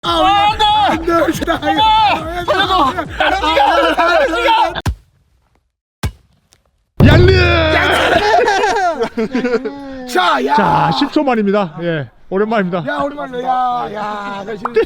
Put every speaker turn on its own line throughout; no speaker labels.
안돼!
양리!
자, 야!
자, 10초 만입니다. 예, 오랜만입니다.
야, 오랜만이네. 야,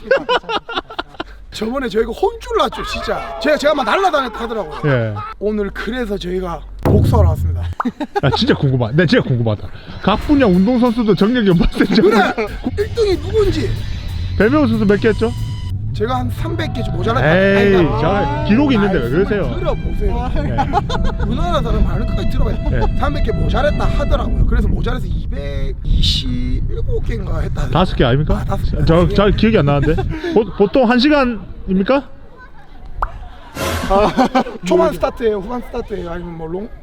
저번에 저희가 혼쭐 났죠, 진짜. 제가 막 날라다녔다 하더라고요.
예.
오늘 그래서 저희가 복수하러 왔습니다.
야, 진짜 궁금하다. 네, 진짜 궁금하다. 각 분야 운동선수도 정력이 얼마센지.
그래! 1등이 누군지.
배명호 선수 몇 개 했죠?
제가 한 300개 좀 모자랐다.
에이,
아니다.
자, 기록이 있는데 왜 그러세요?
들어보세요.
예.
우리나라 사람 말을 끝까지 들어봐요.
네.
300개 모자랐다 하더라고요. 그래서 모자라서 227개인가 했다.
5개 아닙니까?
아, 5개.
저 기억이 안 나는데. 보통 1시간입니까?
초반 스타트예요, 후반 스타트예요, 아니면 뭐 롱?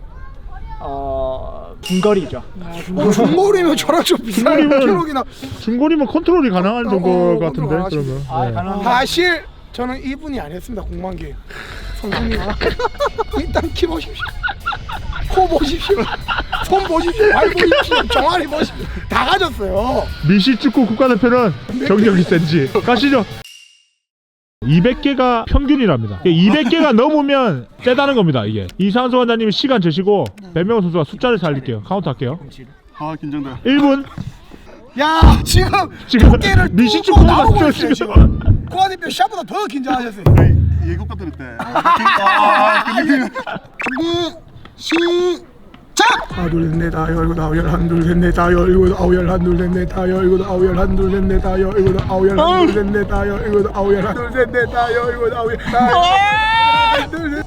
중거리죠.
중거리면 저랑 좀 비슷한
중거리면-
기록이나.
중거리면 컨트롤이 가능한 정도 같은데.
컨트롤
그러면. 예.
가능합니다.
사실 저는 이분이 안 했습니다. 공만기 선수님. 일단 키 보십시오, 코 보십시오, 손 보십시오, 발 보십시오, 종아리 보십시오. 다 가졌어요.
미시 축구 국가대표는 정력이 센지. 가시죠. 200개가 평균이랍니다. 200개가 넘으면 세다는 겁니다. 이게 이상수 원장님이 시간 재시고 배명호 선수가 숫자를 살릴게요. 카운트 할게요.
아 긴장돼.
1분.
야, 지금
지금
두께를
미시
뚫고
축구가
나오고
저
있어요,
지금.
지금. 코아대표 샷보다 더 긴장하셨어요.
예고가 들을 때.
준비 시작! 하나 둘셋넷 다 열고 아홉 열 하나 둘셋넷 다 열고 아홉 열 하나 둘셋넷 다 열고 아홉 열 하나 둘셋넷 다 열고 아홉 열 하나 둘셋넷 다 열고 아홉 열 하나 둘셋넷 다 열고 아홉 열 하나 둘셋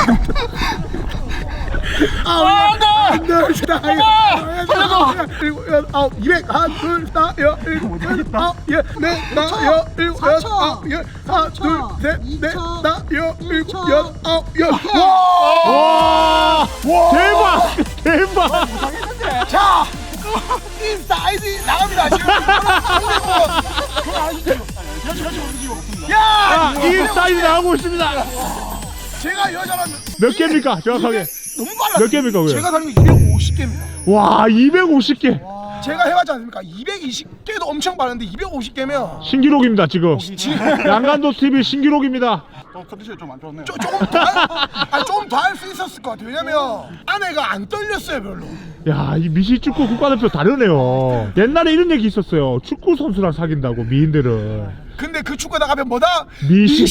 아홉 열다 일곱 여덟 아홉 200 하나 둘다 열 일곱 여덟 아홉 열넷다 일곱 여덟 아홉 열 하나 둘셋넷다 열 일곱 여덟 아홉 열
와! 대박! 대박!
자, 인스타 아이디 나갑니다. 지금 야,
이 스타일이 나오고 있습니다.
제가 여자라면
몇 개입니까? 정확하게.
너무 빨라.
몇 개입니까, 그게?
제가 사는 게 250개입니다.
와, 250개.
제가 해봤지 않습니까? 220개도 엄청 빠른데 250개면
신기록입니다, 지금. 양간도 TV 신기록입니다.
컨디션이 좀 안 좋네.
조금 더 할 수 있었을 것 같아요. 왜냐면 아내가 안 떨렸어요, 별로.
야, 이 미시 축구 국가대표 다르네요. 옛날에 이런 얘기 있었어요. 축구 선수랑 사귄다고 미인들은.
근데 그 축구에다 가면 뭐다?
미시.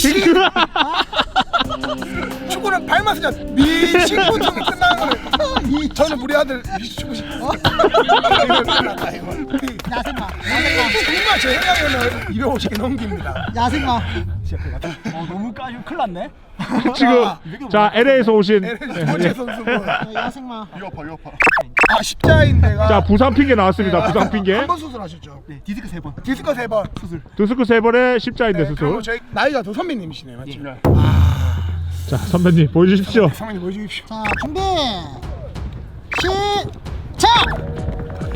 축구는 발만 쓰자. 미식부터 끝나는 거예요. 저는 우리 아들 미식축구 싶어. 이거 끝났다 이거. 정말 제 생각에는 250개 넘깁니다.
야생마. 너무 까지고 큰일 났네.
지금 자 LA에서 오신
두 번째 선수분.
야생마.
위협파.
아, 십자인대가.
자 부상 핑계 나왔습니다. 부상 핑계.
한번 수술하셨죠?
네, 디스크 3번.
디스크 3번.
디스크 3번에 십자인대 수술.
그리고 저희 나이가 더 선배님이시네요, 맞죠?
자 선배님 보여주십시오.
선배님 보여주십시오.
자, 준비. 시작.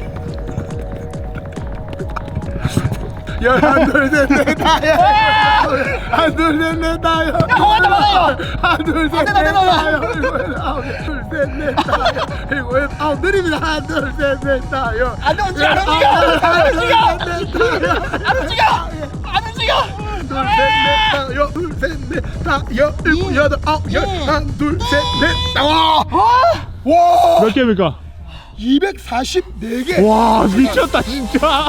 하나 둘셋넷 다요. 하나 둘셋넷 다요.
공한테 막아요.
하나 둘셋넷 다요. 둘셋넷 다요. 일곱 여덟 아홉 느립니다. 하나 둘셋넷 다요.
안 움직여. 안 움직여.
둘셋넷 다요. 일곱 여덟 아홉 열 하나 둘셋넷 와. 와.
몇 개입니까?
244개.
와 미쳤다 진짜.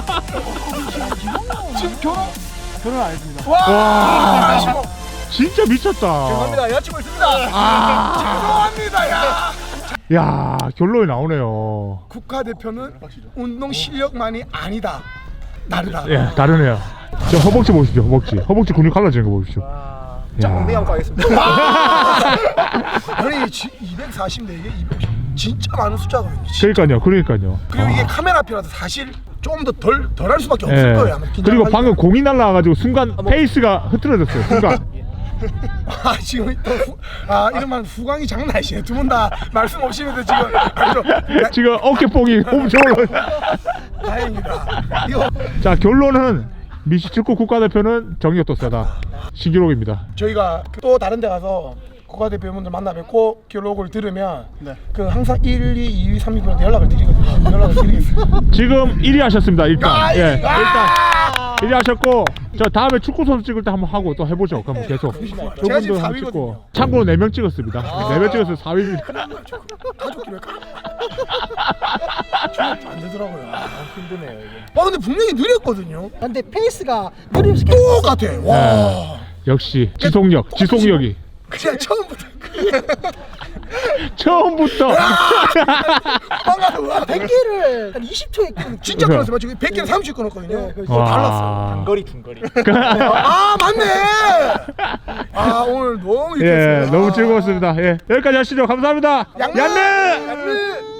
지금 결혼
안 했습니다.
와.
진짜 미쳤다.
죄송합니다. 여자친구 있습니다.
죄송합니다. 야.
야 결론이 나오네요.
국가대표는 운동 실력만이 아니다. 다르다.
예 다르네요. 저 허벅지 보십시오. 허벅지 근육 갈라지는 거 보십시오.
자,
야.
엉덩이 한번 가겠습니다.
아니 244개 250 진짜 많은 숫자거든요.
그러니까요.
그리고 이게 카메라 앞이라서 사실 좀 더 덜 할 수밖에 없을 거예요. 아마
예. 그리고
긴장하니까.
방금 공이 날라와가지고 순간 페이스가 흐트러졌어요. 순간.
아 지금 또 이러면 후광이 장난 아니시네. 두 분 다 말씀 없이면서 지금 아주
지금 어깨뽕이 엄청 올라.
다행이다. 이거
자 결론은 미시 축구 국가대표는 정력도 세다. 신기록입니다.
저희가 또 다른 데 가서 국가대표분들 만나 뵙고 기록을 들으면
네.
그 항상 1, 2, 2위, 3위분한테 연락을 드리거든요. 연락을 드리겠습니다.
지금 1위 하셨습니다. 일단
아,
예,
아!
일단 1위 하셨고 저 다음에 축구 선수 찍을 때 한번 하고 또 해보죠. 그럼 계속
제가 지금
저분도 한번
4위거든요.
찍고 참고로 4명 찍었습니다. 4명 찍어서 4위입니다.
가족끼리 왜 안 되더라고요. 아, 힘드네요 이게. 근데 분명히 느렸거든요.
근데 페이스가 느리면서
똑같아. 와.
역시 지속력이
그냥 처음부터
처음부터
빵가서 와
100개를 한 20초에 끊는
진짜 끊었어요. 지금 100개를 30 끊었거든요.
와.
달랐어요.
중거리.
아 맞네. 아 오늘 너무
예,
유쾌했습니다.
너무 즐거웠습니다. 예, 여기까지 하시죠. 감사합니다.
양면!
양면!
양면!